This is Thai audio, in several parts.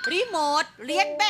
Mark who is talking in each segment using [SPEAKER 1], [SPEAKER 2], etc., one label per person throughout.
[SPEAKER 1] รีโมทเรียนแบบ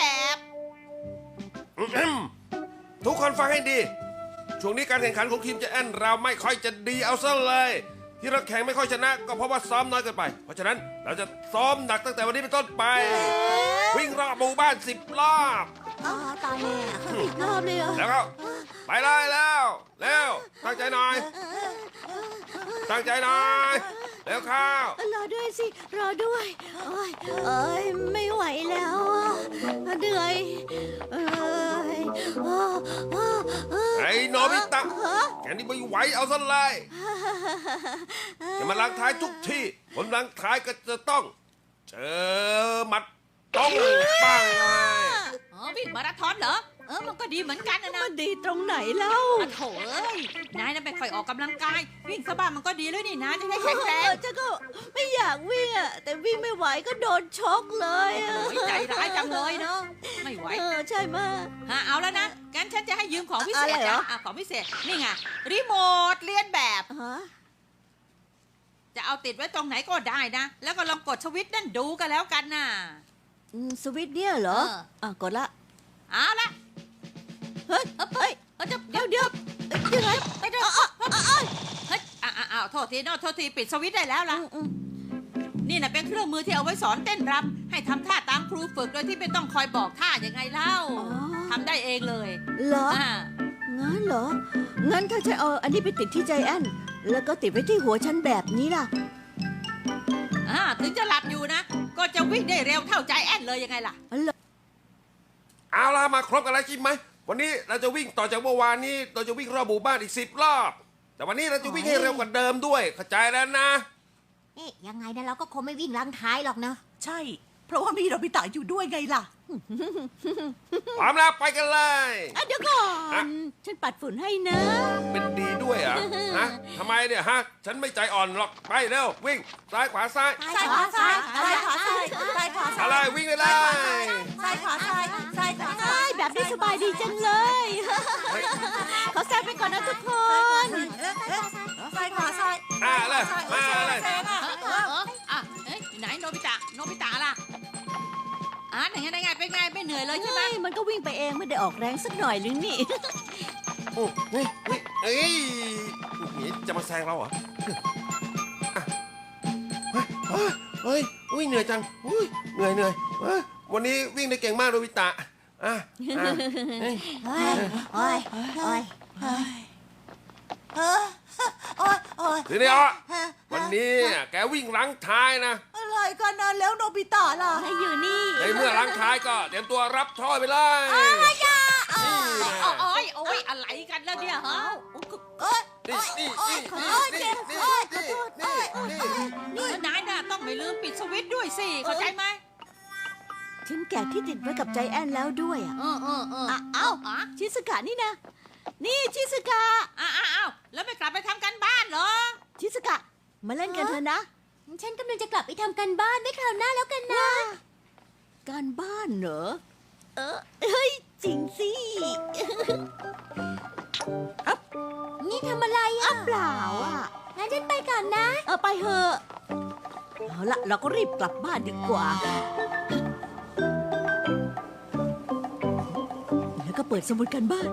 [SPEAKER 2] ทุกคนฟังให้ดี ช่วงนี้การแข่งขันของทีมเจแอนเราไม่ค่อยจะดีเอาซะเลย ที่เราแข่งไม่ค่อยชนะก็เพราะว่าซ้อมน้อยเกินไป เพราะฉะนั้นเราจะซ้อมหนักตั้งแต่วันนี้เป็นต้นไป วิ่งรอบหมู่บ้าน10 รอบ
[SPEAKER 3] ตายแล้วอีกรอบเลยเหรอ
[SPEAKER 2] แล้วก็ไปเลยแล้วเร็วตั้งใจหน่อย ตั้งใจหน่อยเร็วเข้าร
[SPEAKER 3] อด้วยสิรอด้วยเอ้ยไม่ไหวแล้วอะเหนื่อยเอ้ย
[SPEAKER 2] ไอ้โนบิตะแกนี่ไม่ไหวเอาซะเลยจะมาลังท้ายทุกที่คนลังท้ายก็จะต้องเจอหมัดต้องปังเลย
[SPEAKER 1] วิ่งมาราธอนเหรอมันก็ดีเหมือนกันนะ
[SPEAKER 3] มันดีตรงไหนเล่า
[SPEAKER 1] โถเอ้ยนายน่ะไม่ค่อยออกกำลังกายวิ่งสะบ้ามันก็ดีเลยนี่นะจะได้แข็งแรง
[SPEAKER 3] ฉันก็ไม่อยากวิ่งอะแต่วิ่งไม่ไหวก็โดนชกเลยอะ
[SPEAKER 1] โอ้ยใจร้ายจังเลยเนาะไม่ไหว
[SPEAKER 3] ใช่มาก
[SPEAKER 1] เอาแล้วนะงั้นฉันจะให้ยืมของพิเศษ
[SPEAKER 3] อะไรเหรอ
[SPEAKER 1] ของพิเศษนี่ไงรีโมทเรียนแบบ
[SPEAKER 3] ฮะ
[SPEAKER 1] จะเอาติดไว้ตรงไหนก็ได้นะแล้วก็ลองกดสวิตช์นั่นดูกันแล้วกันนะ
[SPEAKER 3] สวิตช์เนี่ยเหรอ กดละ
[SPEAKER 1] เอาละ
[SPEAKER 3] เฮ้ยเฮ้ย
[SPEAKER 1] เดี๋ยว
[SPEAKER 3] ยังไง
[SPEAKER 1] เฮ้ยโทษทีปิดสวิตช์ได้แล้วล่ะนี่นะเป็นเครื่องมือที่เอาไว้สอนเต้นรำให้ทำท่าตามครูฝึกโดยที่ไม่ต้องคอยบอกท่ายังไงเล่าทำได้เองเลย
[SPEAKER 3] เหรองั้นเหรองั้นถ้าฉันเอาอันนี้ไปติดที่ใจแอนแล้วก็ติดไว้ที่หัวฉันแบบนี้ล่ะ
[SPEAKER 1] ถึงจะหลับอยู่นะก็จะวิ่งได้เร็วเท่าใจแอนเลยยังไงล่ะ
[SPEAKER 2] เอาล่ะมาครบกันแล้วใช่ไหมวันนี้เราจะวิ่งต่อจากเมื่อวานนี้เราจะวิ่งรอบหมู่บ้านอีก10 รอบ แต่วันนี้เราจะวิ่งให้เร็วกว่าเดิมด้วยเข้าใจแล้วนะ
[SPEAKER 4] ยังไงนะเราก็คงไม่วิ่งลังท้ายหรอกเนอะ
[SPEAKER 5] ใช่ เพราะว่ามีโนบิตะอยู่ด้วยไงล่ะ
[SPEAKER 2] พร้อมแล้วไปกันเลย
[SPEAKER 3] เดี๋ยวก่อนฉันปัดฝุ่นให้นะ
[SPEAKER 2] เป็นดีด้วยเหรอฮะทำไมเนี่ยฮะฉันไม่ใจอ่อนหรอกไปเร็ววิ่งซ้ายขวาซ้าย
[SPEAKER 5] ซ้ายขวาซ้ายซ้ายขวาซ้ายซ้ายขวาซ้าย
[SPEAKER 2] อะไรวิ่งไปเลย
[SPEAKER 5] ซ้ายขวาซ้ายซ้ายขวาซ้าย
[SPEAKER 3] แบบนี้สบายดีจังเลย ขอแซงไปก่อนนะทุกคน
[SPEAKER 5] ซ้ายขวาซ้าย
[SPEAKER 2] เลยมาเลย
[SPEAKER 5] แซงอ่ะ
[SPEAKER 1] ไหนโนบิตะล่ะไหนไงเป็นไงไม่เหนื่อยเลยใช่ไหม
[SPEAKER 3] มันก็วิ่งไปเองไม่ได้ออกแรงสักหน่อยหรือนี่
[SPEAKER 2] นี่จะมาแซงเราเหรอเฮ้ยเหนื่อยจังเหนื่อยวันนี้วิ่งได้เก่งมากโนบิตะทีนี้วันนี้แกวิ่งหลังท้ายนะ
[SPEAKER 5] อะไรกันนะแล้วโนบิตะล่ะ
[SPEAKER 3] ให้อยู่นี่
[SPEAKER 2] ในเมื่อหลังท้ายก็เตรียมตัวรับช่อยไปเลย
[SPEAKER 1] โอ้ยอะไรกันแล้วเนี่ยฮะ นายน่ะต้องไม่ลืมปิดสวิตช์ด้วยสิเข้าใจไหม
[SPEAKER 3] ฉันแกะที่ติดไว้กับใจแอนแล้วด้วยอ่ะ
[SPEAKER 1] เอ้า
[SPEAKER 3] ชิสกะนี่นะนี่ชิสกะ
[SPEAKER 1] แล้วไม่กลับไปทำกันบ้านเหรอ
[SPEAKER 3] ชิสกะมาเล่นกันเถอะนะ
[SPEAKER 4] ฉันกำลังจะกลับไปทำกันบ้านไว้คราวหน้าแล้วกันนะ
[SPEAKER 3] การบ้านเหรอเฮ้ยจริงสิ
[SPEAKER 4] นี่ทำอะไรอ่ะ
[SPEAKER 3] เปล่าอ่ะ
[SPEAKER 4] งั้นฉันไปก่อนนะ
[SPEAKER 3] ไปเถอะเอาละเราก็รีบกลับบ้านดีกว่า แล้วก็เปิดสมุดกันบ้าน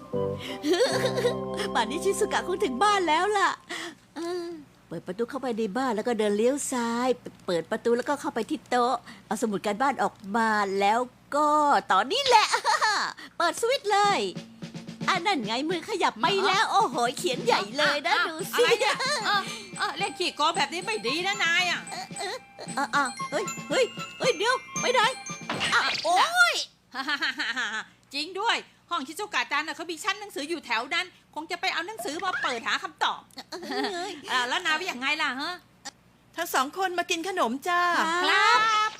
[SPEAKER 3] ป่านนี้ชิสุกะคงถึงบ้านแล้วล่ะเปิดประตูเข้าไปในบ้านแล้วก็เดินเลี้ยวซ้าย เปิดประตูแล้วก็เข้าไปที่โต๊ะ เอาสมุดการบ้านออกมาแล้วก็ตอนนี้แหละ เปิดสวิตช์เลยนั่นไงมือขยับไม่แล้ว โอ้โหเขียนใหญ่เลยนะดูสิ
[SPEAKER 1] อะไรเนี่ยเล่นขี้โกงแบบนี้ไม่ดีนะนายอ่ะ
[SPEAKER 3] เฮ้ยเดี๋ยวไปไหนโอ้ย
[SPEAKER 1] จริงด้วยห้องชิซุกะจันเขามีชั้นหนังสืออยู่แถวนั้น คงจะไปเอาหนังสือมาเปิดหาคำตอบแล้วนายว่าอย่างไงล่ะฮะ
[SPEAKER 5] ทั้งสองคนมากินขนมจ้า
[SPEAKER 1] ครับ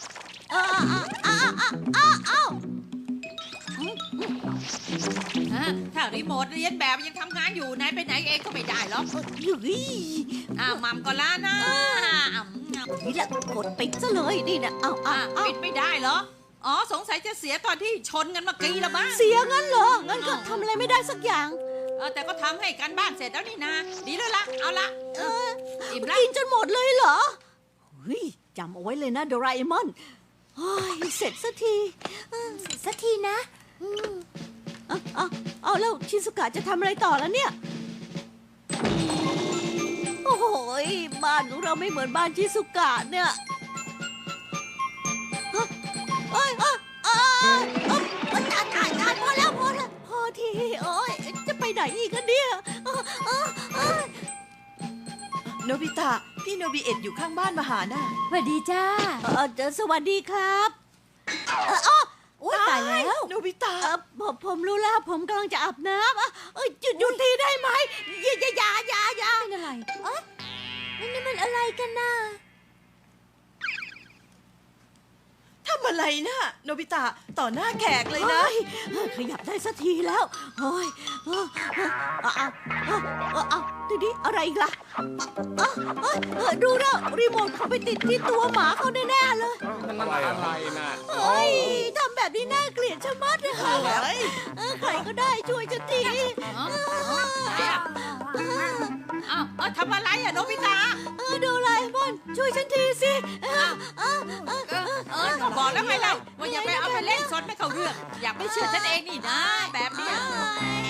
[SPEAKER 1] ถ้ารีโมทเรียนแบบยังทำงานอยู่นายไปไหนเองก็ไม่ได้หรอก มัมก็ล้านะ
[SPEAKER 3] นี่แหละกดปิดซะเลยนี่นะ
[SPEAKER 1] ปิดไม่ได้เหรอสงสัยจะเสียตอนที่ชนกันเมื่อกี้ละบ้าง
[SPEAKER 3] เสียงั้นเหรองั้นก็ทำอะไรไม่ได้สักอย่าง
[SPEAKER 1] แต่ก็ทำให้การบ้านเสร็จแล้วนี่นาดีเลยละเอาละอิ่มละ
[SPEAKER 3] กินจนหมดเลยเหรอเฮ้ยจำเอาไว้เลยนะโดราเอมอนโอ้ยเสร็จสักที
[SPEAKER 4] สักทีนะ
[SPEAKER 3] เอาแล้วชิซุกะจะทำอะไรต่อแล้วเนี่ย โอ้โหยบ้านของเราไม่เหมือนบ้านชิซุกะเนี่ยเอ้ยพอแล้วพอทีโอ้ยจะไปไหนอีกกันเนี่ย
[SPEAKER 5] โนบิตะ พี่โนบิเอ็ดอยู่ข้างบ้านมาหาน่ะ
[SPEAKER 4] สวัสดีจ้า
[SPEAKER 3] สวัสดีครับอุ้ยตายแล้ว
[SPEAKER 5] โนบิตะ
[SPEAKER 3] ผมรู้แล้วผมกำลังจะอาบน้ำหยุดทีได้ไหมอย่า
[SPEAKER 4] เป็นอะไร เอ๊ะนี่มันอะไรกันน่ะ
[SPEAKER 5] ทำอะไรน่ะ โนบิตะ ต่อหน้าแขกเลยนะ
[SPEAKER 3] ขยับได้สักทีแล้วโอ้ยเอาทีนี้อะไรอีกล่ะดูแล้วรีโมทเขาไปติดที่ตัวหมาเขาแน่ๆเลย
[SPEAKER 6] นั่นอะไรนะ
[SPEAKER 3] เฮ้ยทำแบบนี้น่าเกลียดชะมัดเลยค่ะใครก็ได้ช่วยฉันที
[SPEAKER 1] ทำอะไรอะโนบิตะ
[SPEAKER 3] ดูไลมอนช่วยฉันทีสิ
[SPEAKER 1] ก็บอกแล้วไงเล่าว่าอย่าไปเอาไปเล่นสนไม่เข้าเรื่อง อยากไม่เชื่อฉันเองนี่นะ แบบเนี้ย